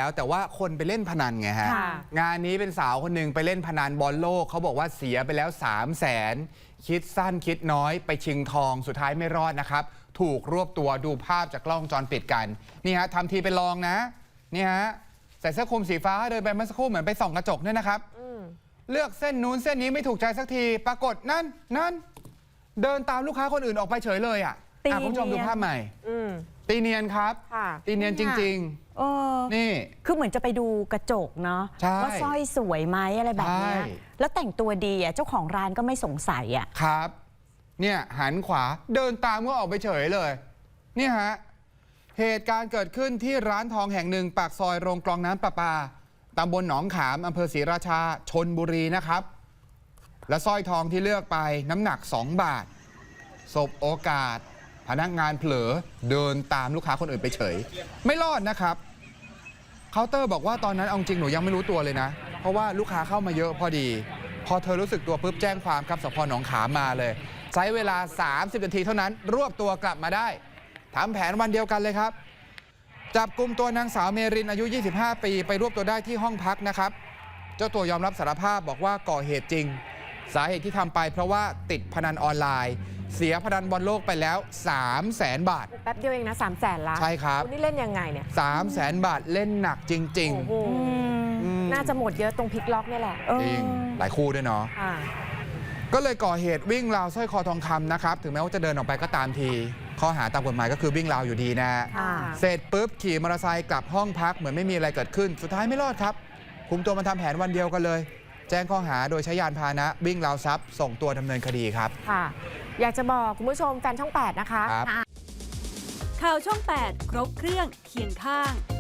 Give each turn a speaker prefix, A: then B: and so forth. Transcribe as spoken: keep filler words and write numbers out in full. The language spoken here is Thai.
A: แล้วแต่ว่าคนไปเล่นพนันไงฮะงานนี้เป็นสาวคนหนึ่งไปเล่นพนันบอลโลกเขาบอกว่าเสียไปแล้วสามแสนคิดสั้นคิดน้อยไปชิงทองสุดท้ายไม่รอดนะครับถูกรวบตัวดูภาพจากกล้องวงจรปิดกันนี่ฮะทำทีไปลองนะนี่ฮะใส่เสื้อคลุมสีฟ้าเดินไปเมื่อสักครู่เหมือนไปส่องกระจกเนี่ยนะครับเลือกเส้นนู้นเส้นนี้ไม่ถูกใจสักทีปรากฏนั่นนั่นเดินตามลูกค้าคนอื่นออกไปเฉยเลยอ่ะคุณผู้ชมดูภาพใหม่ตีเนียนครับตีเนียนจริงๆนี่
B: คือเหมือนจะไปดูกระจกเนาะว่าสร้อยสวยไหมอะไรแบบนี้แล้วแต่งตัวดีอ่ะเจ้าของร้านก็ไม่สงสัยอ่ะ
A: ครับเนี่ยหันขวาเดินตามก็ออกไปเฉยเลยเนี่ยฮะเหตุการณ์เกิดขึ้นที่ร้านทองแห่งหนึ่งปากซอยโรงกรองน้ำประปาตำบลหนองขามอำเภอศรีราชาชลบุรีนะครับและสร้อยทองที่เลือกไปน้ำหนักสองบาทสบโอกาสพนักงานเผลอเดินตามลูกค้าคนอื่นไปเฉยไม่รอดนะครับเคาน์เตอร์บอกว่าตอนนั้นเอาจริงหนูยังไม่รู้ตัวเลยนะเพราะว่าลูกค้าเข้ามาเยอะพอดีพอเธอรู้สึกตัวปุ๊บแจ้งความครับสพหนองขามมาเลยใช้เวลาสามสิบนาทีเท่านั้นรวบตัวกลับมาได้ทำแผนวันเดียวกันเลยครับจับกลุ่มตัวนางสาวเมรินอายุยี่สิบห้าปีไปรวบตัวได้ที่ห้องพักนะครับเจ้าตัวยอมรับสารภาพบอกว่าก่อเหตุจริงสาเหตุที่ทำไปเพราะว่าติดพนันออนไลน์เสียพนันบอลโลกไปแล้ว สามแสน บาท
C: แป๊บเดียวเองนะ สามแสน ละ
A: ใช่ครับ
C: นี่เล่นยังไงเนี่ย
A: สามแสน บาทเล่นหนักจริง
C: ๆน่าจะหมดเยอะตรงพลิกล็อกนี่แหละ
A: จริงหลายคู่ด้วยเนาะก็เลยก่อเหตุวิ่งราวสร้อยคอทองคำนะครับถึงแม้ว่าจะเดินออกไปก็ตามทีข้อหาตามกฎหมายก็คือวิ่งราวอยู่ดีนะเสร็จปุ๊บขี่มอเตอร์ไซค์กลับห้องพักเหมือนไม่มีอะไรเกิดขึ้นสุดท้ายไม่รอดครับคุมตัวมาทำแผนวันเดียวกันเลยแจ้งข้อหาโดยใช้ยานพาหนะวิ่งราวทรัพย์ส่งตัวดำเนินคดีครับ
C: ค่ะอยากจะบอกคุณผู้ชมแฟนช่องแปดนะคะ
D: ข่าวช่องแปดครบเครื่องเคียงข้าง